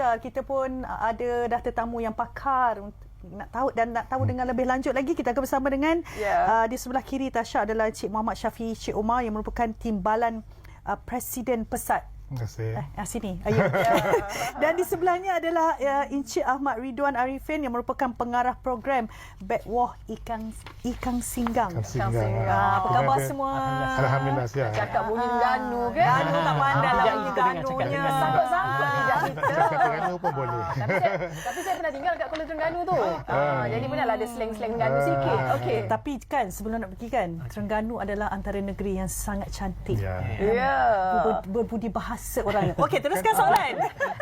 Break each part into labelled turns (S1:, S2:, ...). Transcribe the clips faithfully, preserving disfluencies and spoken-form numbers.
S1: bandar. Kita pun ada dah tetamu yang pakar nak tahu dan nak tahu dengan lebih lanjut lagi. Kita akan bersama dengan yeah. uh, di sebelah kiri Tasha adalah Encik Muhammad Syafiee Cik Omar yang merupakan timbalan uh, Presiden Pesat.
S2: Terima kasih.
S1: Eh, ah, sini. Ayo. Dan di sebelahnya adalah uh, Encik Ahmad Ridwan Arifin yang merupakan pengarah program Betwah Ikan Ikan Singgang.
S2: Ikan Singgang.
S1: Ah, apa khabar
S2: Baby.
S1: semua?
S2: Alhamdulillah sihat.
S3: Cakap bunyi Terengganu kan?
S1: Ganu tak pandai lah bunyi
S3: Ganunya.
S1: Ganunya.
S3: Sangkut-sangkut ni dah.
S2: Cakap Terengganu pun boleh.
S3: Tapi saya, tapi saya pernah tinggal kat Kuala Terengganu tu. Ah, jadi benar ada slang-slang Terengganu sikit. Okey.
S1: Tapi kan sebelum nak pergi kan, Terengganu adalah antara negeri yang sangat cantik.
S2: Ya.
S3: Ya.
S1: Ber, berbudi bahasa orangnya. Okey, teruskan soalan.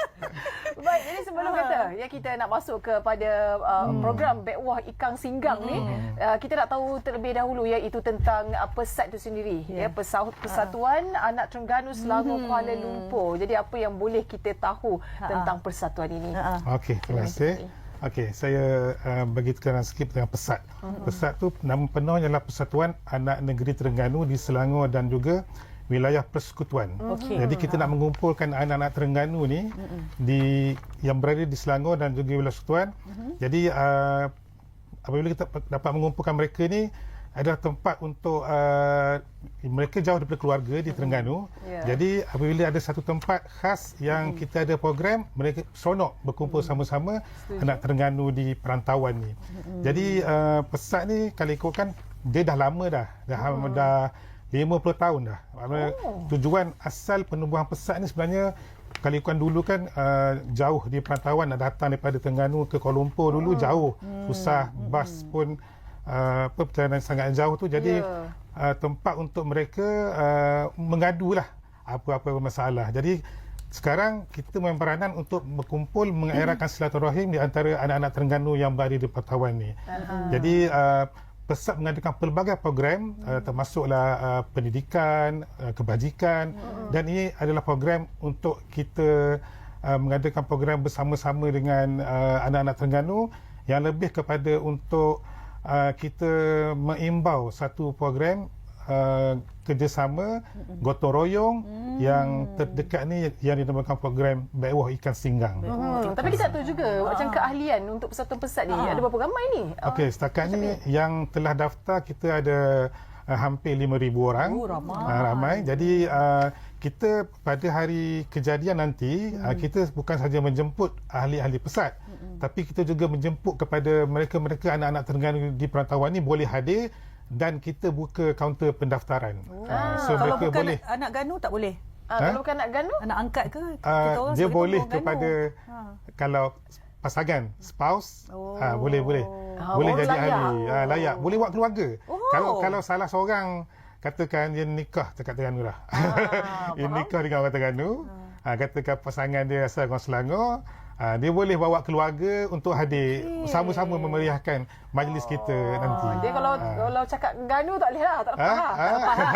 S3: Baik, jadi sebelum kata ya kita nak masuk kepada uh, hmm. program Betwah Ikan Singgang hmm. ni, uh, kita nak tahu terlebih dahulu iaitu tentang uh, pesat itu sendiri, yeah. ya Pesau- Persatuan uh. Anak Terengganu Selangor hmm. Kuala Lumpur. Jadi apa yang boleh kita tahu uh. tentang persatuan ini? Uh.
S2: Okey, terima kasih. Okey, saya uh, bagi tekanan sikit tentang pesat. Uh-huh. Pesat tu nama penuhnya adalah Persatuan Anak Negeri Terengganu di Selangor dan juga wilayah persekutuan. Okay. Jadi kita nak mengumpulkan anak-anak Terengganu ni uh-huh. di yang berada di Selangor dan juga wilayah persekutuan. Uh-huh. Jadi uh, apabila kita dapat mengumpulkan mereka ni adalah tempat untuk uh, mereka jauh daripada keluarga di Terengganu. Yeah. Jadi apabila ada satu tempat khas yang mm. kita ada program, mereka seronok berkumpul mm. sama-sama Setuju. Anak Terengganu di perantauan ni. Mm. Jadi uh, pesat ni kalau ikutkan dia dah lama dah. Dah, mm. dah lima puluh tahun dah. Oh. Tujuan asal penubuhan pesat ni sebenarnya kalau ikutkan dulu kan uh, jauh di perantauan, nak datang daripada Terengganu ke Kuala Lumpur dulu mm. jauh. Mm. Susah, mm. bas pun Uh, apa perjalanan sangat jauh tu, jadi yeah. uh, tempat untuk mereka uh, mengadulah apa-apa masalah. Jadi sekarang kita main peranan untuk berkumpul mengeratkan silaturahim di antara anak-anak Terengganu yang berada di perantauan ni. Uh-huh. Jadi uh, Pesat mengadakan pelbagai program uh, termasuklah uh, pendidikan, uh, kebajikan uh-huh. dan ini adalah program untuk kita uh, mengadakan program bersama-sama dengan uh, anak-anak Terengganu yang lebih kepada untuk Uh, kita mengimbau satu program uh, kerjasama gotong royong hmm. yang terdekat ni yang dinamakan program Betwah Ikan Singgang.
S3: Hmm. Tapi kita tahu juga ah. macam keahlian untuk persatuan pesat ni ah. ada berapa ramai ni?
S2: Okey, setakat ni ni yang telah daftar kita ada uh, hampir lima ribu orang.
S1: Oh, ramai.
S2: Uh, ramai. Jadi uh, kita pada hari kejadian nanti hmm. uh, kita bukan sahaja menjemput ahli-ahli pesat, hmm. tapi kita juga menjemput kepada mereka-mereka anak-anak Terengganu di perantauan ni boleh hadir dan kita buka kaunter pendaftaran. Oh. Uh, so
S1: kalau
S2: mereka
S1: bukan
S2: boleh
S1: anak Ganu tak boleh.
S3: Uh, ha? Kalau bukan anak Ganu,
S1: anak angkat ke?
S2: Uh,
S1: kita
S2: dia boleh kepada
S1: ha.
S2: kalau pasangan spouse
S1: oh.
S2: uh, boleh boleh.
S3: Ha,
S2: boleh jadi
S3: layak.
S2: ahli. Uh, layak. Boleh buat keluarga.
S1: Oh.
S2: Kalau kalau salah seorang katakan dia nikah dekat Terengganu lah. Ah, dia nikah dengan orang Terengganu. Ah. Ah, katakan pasangan dia asal orang Selangor. Ah, dia boleh bawa keluarga untuk hadir okay. sama-sama memeriahkan majlis oh. kita nanti.
S3: Dia kalau ah. kalau cakap Ganu tak boleh lah, tak dapat lah.
S2: Ah.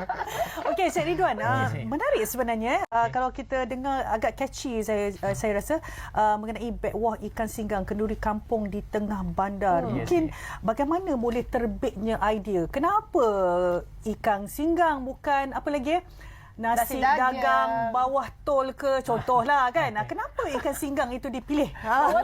S1: Okey, Cik Ridwan, uh, menarik sebenarnya uh, kalau kita dengar agak catchy saya uh, saya rasa uh, mengenai Betwah Ikan Singgang, kenduri kampung di tengah bandar. Hmm. Mungkin yes, yes. bagaimana boleh terbitnya idea? Kenapa ikan singgang bukan apa lagi? Nasi, Nasi dagang. dagang bawah tol ke contohlah kan. Okay. Kenapa ikan singgang itu dipilih? Ha.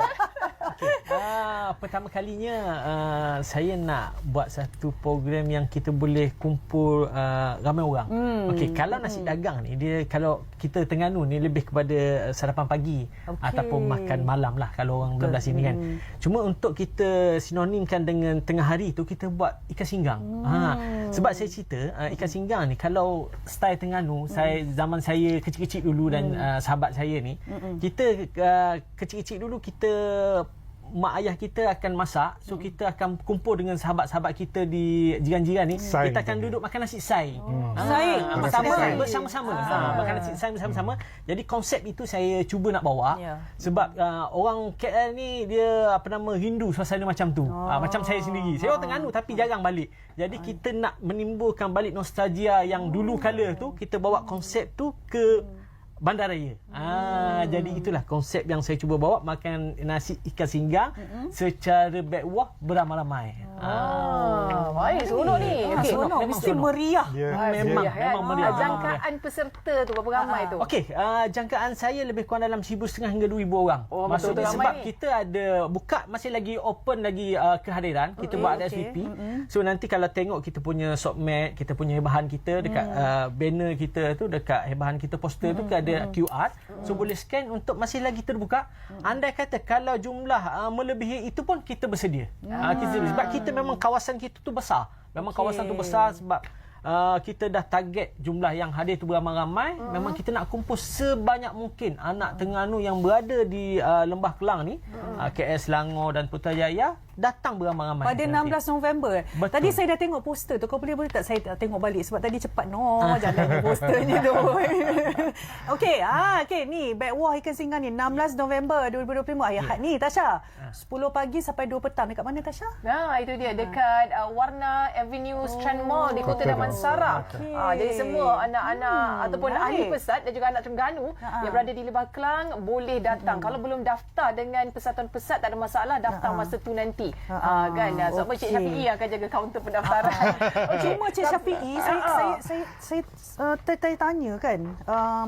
S4: Okay. Uh, pertama kalinya uh, saya nak buat satu program yang kita boleh kumpul uh, ramai orang. Hmm. Okey, kalau nasi hmm. dagang ni dia kalau kita Terengganu ni lebih kepada sarapan pagi okay. ataupun makan malam lah kalau orang belah sini kan. Hmm. Cuma untuk kita sinonimkan dengan tengah hari tu kita buat ikan singgang. Hmm. Ha, sebab saya cerita uh, ikan singgang ni kalau style Terengganu, hmm. saya zaman saya kecil-kecil dulu dan hmm. uh, sahabat saya ni, hmm. kita uh, kecil-kecil dulu kita mak ayah kita akan masak, so hmm. kita akan kumpul dengan sahabat-sahabat kita di jiran-jiran ni, sai kita akan duduk makan nasi sai. Hmm. Ah,
S1: sai
S4: bersama bersama-sama. Ah. Ha, makan nasi sai bersama-sama. Hmm. Jadi konsep itu saya cuba nak bawa yeah. sebab uh, orang K L ni dia apa nama rindu suasana macam tu. Oh. Uh, macam saya sendiri. Saya orang Terengganu tapi jarang balik. Jadi kita nak menimbulkan balik nostalgia yang dulu kala tu, kita bawa konsep tu ke bandaraya. Ah, jadi itulah konsep yang saya cuba bawa, makan nasi ikan singgang mm-hmm. secara backwah beramai-ramai.
S3: Ah, baik, seronok ni.
S1: Ah,
S3: Okey,
S1: seronok,
S4: memang
S1: mesti
S4: seronok.
S1: meriah.
S2: Dia,
S4: Memang
S3: Ya, kan?
S4: memang meriah.
S3: Ah, jangkaan peserta tu berapa ramai tu?
S4: Okey, uh, jangkaan saya lebih kurang dalam seribu setengah hingga dua ribu orang.
S3: Oh,
S4: Maksudnya
S3: betul-betul
S4: sebab
S3: ramai ni.
S4: kita ada buka, masih lagi open lagi uh, kehadiran. Kita
S1: Okey,
S4: buat ada
S1: okey.
S4: S V P. So nanti kalau tengok kita punya sockmat, kita punya bahan kita dekat
S1: Mm.
S4: uh, banner kita tu, dekat bahan kita poster tu ada Q R. So boleh scan untuk masih lagi terbuka. Andai kata kalau jumlah uh, melebihi itu pun kita bersedia. Uh, kita, sebab kita memang kawasan kita tu besar. Memang kawasan tu besar sebab Uh, kita dah target jumlah yang hadir tu beramai-ramai. Uh-huh. Memang kita nak kumpul sebanyak mungkin anak Terengganu yang berada di uh, Lembah Kelang ni, uh-huh. uh, K L, Selangor dan Putrajaya datang beramai-ramai.
S1: Pada enam belas November.
S4: Betul.
S1: Tadi saya dah tengok poster tu. Kau boleh boleh tak saya tengok balik sebab tadi cepat no jalannya posternya tu. Okey, ah okey ni backwah ikan singgang ni enam belas November dua ribu dua puluh lima hari Ahad ni Tasha. sepuluh pagi sampai dua petang dekat mana Tasha?
S3: Nah, itu dia dekat uh, Warna Avenue Strand Mall di Kota Damansara.
S1: Okey.
S3: Ah, jadi semua anak-anak
S1: Hmm,
S3: ataupun
S1: baik.
S3: ahli pesat dan juga anak Terengganu
S1: Ha-ha.
S3: yang berada di Lembah Kelang boleh datang. Kalau belum daftar dengan Persatuan Pesat tak ada masalah, daftar
S1: Ha-ha.
S3: masa tu nanti.
S1: Ha-ha.
S3: Ah, kan. Ah, Sebab Cik
S1: Okey.
S3: Syafiee akan jaga kaunter pendaftaran.
S1: Okay. Cuma Cik Syafiee, saya,
S3: Ah.
S1: saya saya saya uh, tertanya kan, um,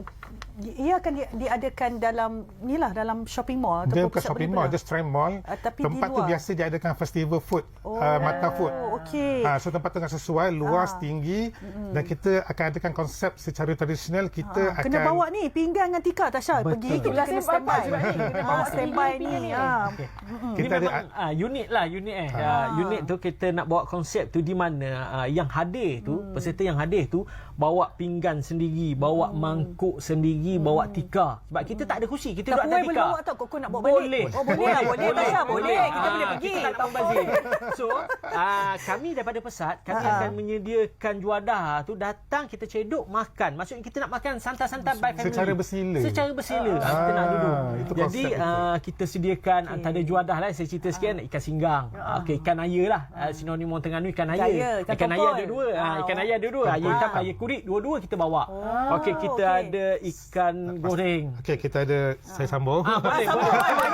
S1: ia akan di, diadakan dalam inilah dalam shopping mall
S2: dia
S1: ataupun
S2: bukan
S1: pusat
S2: shopping mall,
S1: perniagaan?
S2: dia Strand Mall.
S1: Ah, tapi di
S2: Tempat tu
S1: luar.
S2: biasa dia adakan festival food,
S1: Oh,
S2: uh, mata food.
S1: okey.
S2: Ha, so tempat tu dengan sesuai, luas,
S1: Ah.
S2: tinggi mm-hmm. dan kita akan adakan konsep secara tradisional. Kita
S1: Ah,
S2: akan
S1: kena bawa ni pinggan dengan tikar Tasha pergi
S4: Betul.
S1: kita kena
S3: Itulah
S1: standby
S3: sebab sebab ni kita bawa
S1: Ah, standby
S3: pinggan
S1: ni.
S3: ni.
S1: Ah.
S4: Okay.
S2: Kita
S4: Ini
S2: ada-
S4: memang uh, unik lah, unik eh. Uh, unit tu kita nak bawa konsep tu di mana uh, yang hadir tu, hmm. peserta yang hadir tu bawa pinggan sendiri, bawa hmm. mangkuk sendiri, hmm. bawa tikar. Sebab kita tak ada kursi, kita duduk
S1: Tapi
S4: atas
S1: boleh
S4: tikar.
S1: bawa tak? Kok kau nak bawa balik?
S4: Boleh.
S1: Oh, boleh lah, boleh, Tasha, boleh. Kita
S4: Ah,
S1: boleh pergi.
S4: Kita tak nak membazir. So, uh, kami daripada Pesat, kami
S1: Ah.
S4: akan menyediakan juadah tu, datang kita cedok makan. Maksudnya kita nak makan santai-santai by family.
S2: Secara bersila.
S4: Secara bersila.
S2: Ah,
S4: kita nak duduk.
S2: itu
S4: Jadi
S2: konsep itu.
S4: uh, kita sediakan okay. antara juadah lah, saya cerita sikit, ikan singgang. Uh. Okey, ikan aya lah. Uh, sinonim orang Terengganu ikan aya.
S1: Aya, ikan
S4: Ikan aya
S1: tongkol.
S4: ada dua.
S1: Ah,
S4: Uh, ikan aya ada dua. Aya hitam, aya kurit, dua-dua kita bawa.
S1: Oh,
S4: Okey, kita
S1: okey.
S4: ada ikan goreng.
S2: Okey, kita ada saya sambung.
S4: Ah, boleh, boleh.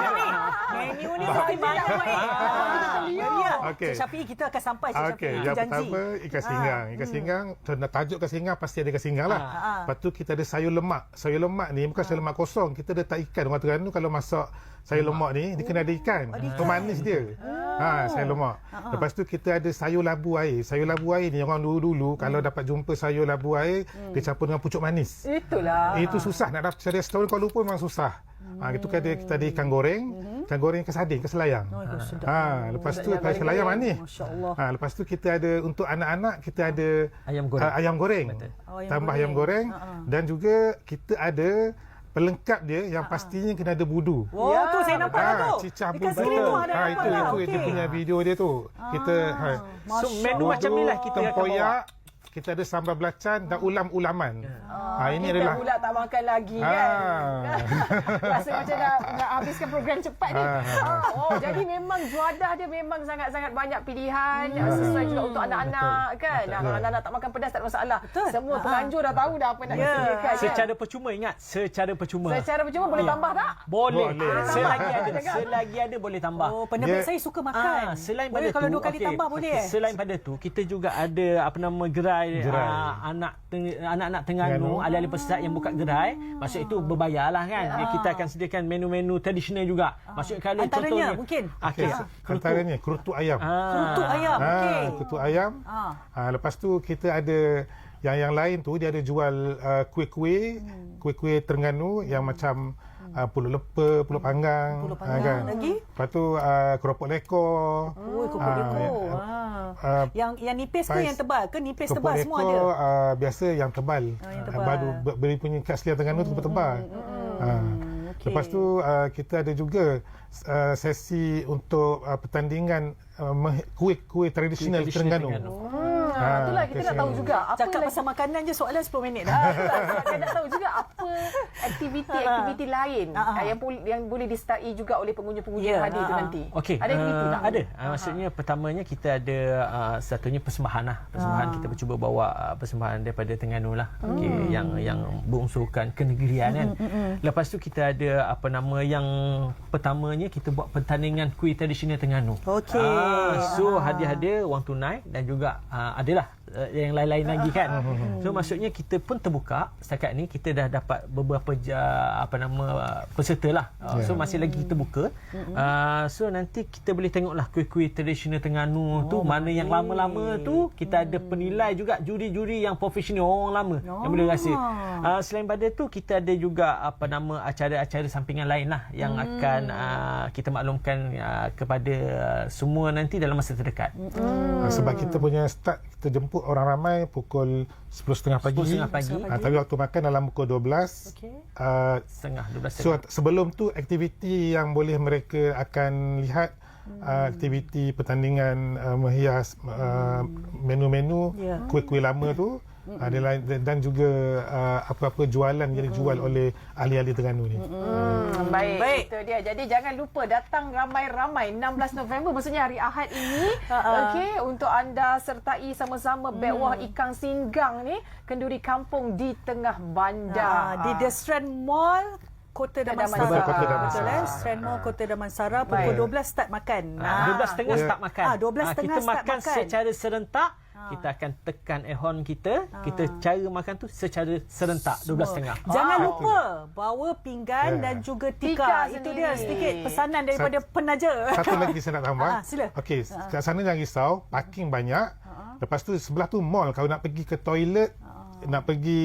S1: Menu ni mesti banyak baik. Meriah.
S2: Okey.
S1: Cik Syafiee kita akan sampai Cik
S2: Okey,
S1: Syafiee.
S2: yang
S1: Janji.
S2: pertama ikan singgang. Ikan singgang, hmm. tajuk ikan singgang pasti ada ikan singgang lah.
S1: Ah, ah.
S2: Lepas tu kita ada sayur lemak. Sayur lemak ni bukan sayur lemak kosong. Kita letak ikan. Orang Terengganu kalau masak sayur lemak ni, dia kena ada ikan. Pemanis dia. Ha, sayur lemak. Lepas tu kita ada sayur labu air. Sayur labu air ni orang dulu-dulu kalau dapat jumpa sayur labu air, dia campur dengan pucuk manis.
S3: Itulah.
S2: Itu susah nak dapat cari restoran Kuala Lumpur memang susah. Ha, itu kan ada, kita ada ikan goreng, ikan goreng ikan sardin, ikan selayang.
S1: Oh, sedap.
S2: Ha, lepas tu ikan selayang manis.
S1: Masya-Allah.
S2: Ha, lepas tu kita ada untuk anak-anak kita ada
S4: Ayam goreng.
S2: Uh, ayam goreng.
S1: Oh, ayam
S2: Tambah
S1: goreng.
S2: ayam goreng
S1: Ha-ha.
S2: dan juga kita ada pelengkap dia yang pastinya kena ada budu.
S1: Oh, tu saya nampak
S2: Ah,
S1: lah tu.
S2: cicah
S1: Dekat
S2: budu.
S1: skrin tu ada
S2: Ha,
S1: nampak
S2: itu
S1: lah.
S2: itu
S1: Okey.
S2: dia punya video dia tu. Kita ha,
S4: So, menu
S2: budu,
S4: macam ni lah kita akan bawa.
S2: tempoyak, kita ada sambal belacan dan ulam-ulaman. Ha, ini
S3: kita
S2: adalah
S3: pula tak makan lagi kan.
S2: Ah.
S3: Rasa macam nak, nak habiskan program cepat ni.
S2: Ah, ah,
S3: Ah, oh, jadi memang juadah dia memang sangat-sangat banyak pilihan. Sesuai juga untuk anak-anak kan. Nah, kalau anak-anak tak makan pedas tak ada masalah.
S1: Betul.
S3: Semua
S1: Ah.
S3: penganjur dah tahu dah apa nak
S1: Ya.
S3: disediakan kan.
S4: Secara percuma, ingat, secara percuma.
S3: Secara percuma boleh
S4: Ya.
S3: tambah tak?
S4: Boleh.
S2: Boleh.
S4: Selagi ada,
S3: Tambah.
S4: selagi ada boleh tambah.
S1: Oh, penerbit
S2: Dia-
S1: saya suka makan.
S4: Ah, selain
S1: boleh
S4: pada
S1: kalau
S4: tu,
S1: dua kali
S4: okey,
S1: tambah boleh eh?
S4: Selain pada tu, kita juga ada apa nama gerai,
S2: Gerai.
S4: ah, anak teng- anak-anak Terengganu,
S2: Terengganu.
S4: ahli-ahli pesat yang buka gerai. Maksud itu berbayarlah kan.
S1: Ya.
S4: Kita akan sediakan menu-menu tradisional juga. Maksud kalau
S1: Antaranya
S4: contohnya
S1: mungkin?
S2: okey,
S4: Okey,
S2: antaranya kerutuk ayam.
S4: Ah.
S1: Kerutuk ayam.
S2: Ha,
S1: Okey.
S2: kerutuk ayam.
S1: Ah.
S2: Ha, lepas tu kita ada yang yang lain tu dia ada jual uh, kuih-kuih,
S1: Hmm.
S2: kuih-kuih Terengganu yang macam uh, pulut leper, pulut panggang,
S1: Pulut
S2: ha,
S1: panggang. Lagi?
S2: Lepas tu uh, keropok lekor.
S1: Oh, keropok
S2: Ah,
S1: lekor.
S2: ya.
S1: Ah.
S2: Uh,
S1: Yang yang nipis ke
S2: pais-
S1: yang tebal ke? Nipis
S2: Keropok
S1: tebal semua ada.
S2: lekor uh, biasa yang tebal.
S1: Oh, yang
S2: Uh,
S1: tebal.
S2: baru ber- beri punya kat Selia Terengganu tu tebal. Ha.
S1: okey.
S2: Lepas tu uh, kita ada juga uh, sesi untuk uh, pertandingan uh, meh- kuih-kuih tradisional
S4: Tradisional
S2: Terengganu.
S4: Terengganu.
S3: Ah, itulah kita nak tahu juga apa
S1: Cakap
S3: lagi.
S1: pasal makanan je soalan sepuluh minit dah.
S3: Ah, itulah. Saya nak tahu juga apa aktiviti-aktiviti lain
S1: Ah, ah.
S3: ah, yang pol- yang boleh disertai juga oleh pengunjung-pengunjung
S1: Ya,
S3: yang hadir itu
S1: ah, ah.
S3: nanti.
S4: Okey,
S3: Ada aktiviti
S4: uh,
S3: tak?
S4: ada. Uh, maksudnya pertamanya kita ada uh, satunya persembahan lah. Persembahan kita cuba bawa uh, persembahan daripada Terengganu lah. Okey, yang yang berunsurkan kenegerian kan. Lepas tu kita ada apa nama yang pertamanya kita buat pertandingan kuih tradisional Terengganu.
S1: Okey.
S4: Ah, so
S1: Ah.
S4: hadiah-hadiah wang tunai dan juga uh, adalah uh, yang lain-lain lagi kan. So maksudnya kita pun terbuka setakat ni kita dah dapat beberapa uh, apa nama uh, peserta lah. Uh, so masih lagi kita buka. Uh, so nanti kita boleh tengoklah kuih-kuih tradisional Terengganu tu mana yang lama-lama tu kita ada penilai juga juri-juri yang profesional orang lama yang boleh rasa. Uh, selain pada tu kita ada juga apa nama acara-acara sampingan lain lah yang akan uh, kita maklumkan uh, kepada uh, semua nanti dalam masa terdekat.
S2: Ah, sebab kita punya start kita jemput orang ramai pukul sepuluh tiga puluh pagi.
S4: sepuluh tiga puluh pagi.
S2: Ah, tapi waktu makan dalam pukul dua belas.
S1: Okey.
S2: Ah,
S4: Setengah, dua belas
S2: so sebelum tu aktiviti yang boleh mereka akan lihat uh, aktiviti pertandingan uh, menghias uh, menu-menu
S1: Ya.
S2: kuih-kuih lama tu uh, dan, lain- dan juga uh, apa-apa jualan yang dijual oleh ahli-ahli Terengganu ni.
S3: Hmm, baik.
S1: Baik.
S3: Itu dia. Jadi jangan lupa datang ramai-ramai enam belas November maksudnya hari Ahad ini.
S1: Ha-ha.
S3: Okey, untuk anda sertai sama-sama Bekwah Ikan Singgang ni kenduri kampung di tengah
S1: Ah,
S3: bandar.
S1: di The Strand Mall Kota Damansara.
S3: Damansara.
S2: Kota Damansara.
S1: Betul eh? Strand Mall Kota Damansara pukul
S3: Baik.
S1: dua belas start makan.
S4: Ah, dua belas setengah
S2: Ya.
S4: start makan.
S1: Ah, dua belas
S4: Ah,
S1: setengah
S4: kita
S1: start
S4: makan,
S1: makan.
S4: secara serentak. Kita akan tekan ehon kita. Kita cara makan tu secara serentak dua belas setengah.
S1: Jangan
S3: Ah.
S1: lupa bawa pinggan
S2: Ya.
S1: dan juga
S3: Tika
S1: tika. Itu
S3: sendiri.
S1: dia sedikit pesanan daripada penaja.
S2: Satu lagi saya nak tambah.
S1: Ah, sila.
S2: Okey, kat sana jangan risau, parking banyak. Lepas tu sebelah tu mall, kalau nak pergi ke toilet, nak pergi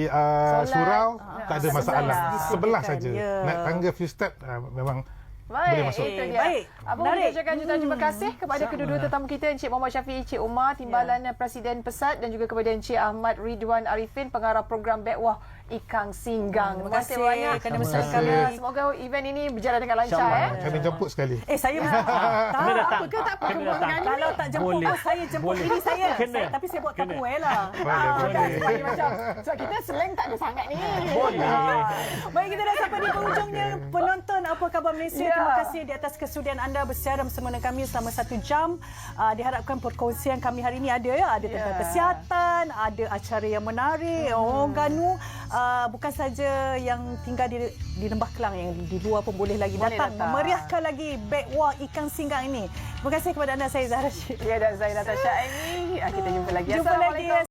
S2: uh,
S3: Solat.
S2: surau,
S3: Ah,
S2: tak ada
S3: sebelah.
S2: masalah. Sebelah
S1: Disediakan,
S2: saja.
S1: ya.
S2: Naik tangga few step uh, memang boleh
S3: Baik,
S2: masuk.
S3: itu dia.
S1: Baik,
S3: Abang
S1: menarik.
S3: boleh ucapkan jutaan terima kasih kepada kedua-dua tetamu kita, Encik Muhammad Syafiee, Encik Umar, Timbalan Presiden Pesat dan juga kepada Encik Ahmad Ridwan Arifin, pengarah program Bekwah Ikan Singgang.
S1: Terima
S3: Terima kasih
S1: kasih
S3: banyak
S1: kerana
S2: Terima
S3: bersama
S2: kasih.
S3: kami. Semoga event ini berjalan dengan lancar.
S4: InsyaAllah.
S3: Eh.
S2: Kami jemput sekali.
S1: Eh, saya tak.
S4: Kena datang.
S3: Apa ke tak apa
S4: Kena
S3: kebun
S4: datang.
S3: dengan
S1: Kalau tak jemput
S4: Boleh.
S1: pun saya jemput
S4: Boleh.
S1: diri saya.
S4: Kena.
S1: saya. Tapi saya buat
S4: Kena.
S1: Tupperware lah.
S2: Boleh,
S3: Ah,
S2: boleh.
S3: kan, sebagai macam sebab kita slang tak ada sangat ni.
S4: Boleh.
S1: Baik, kita dah sampai di penghujungnya. Penonton Apa Khabar Malaysia,
S3: Ya.
S1: terima kasih di atas kesudian anda bersiaran bersama dengan kami selama satu jam. Uh, diharapkan perkongsian kami hari ini ada ya, ada tentang
S3: Ya.
S1: kesihatan, ada acara yang menarik, orang Ganu uh, bukan saja yang tinggal di di Lembah Kelang, yang di luar pun boleh lagi
S3: Boleh
S1: datang,
S3: datang.
S1: memeriahkan lagi Bekwah Ikan Singgang ini. Terima kasih kepada anda, saya Zahra Syed.
S3: Ya, dan saya Natasha Aini. Kita jumpa lagi.
S1: Jumpa lagi.
S3: Assalamualaikum.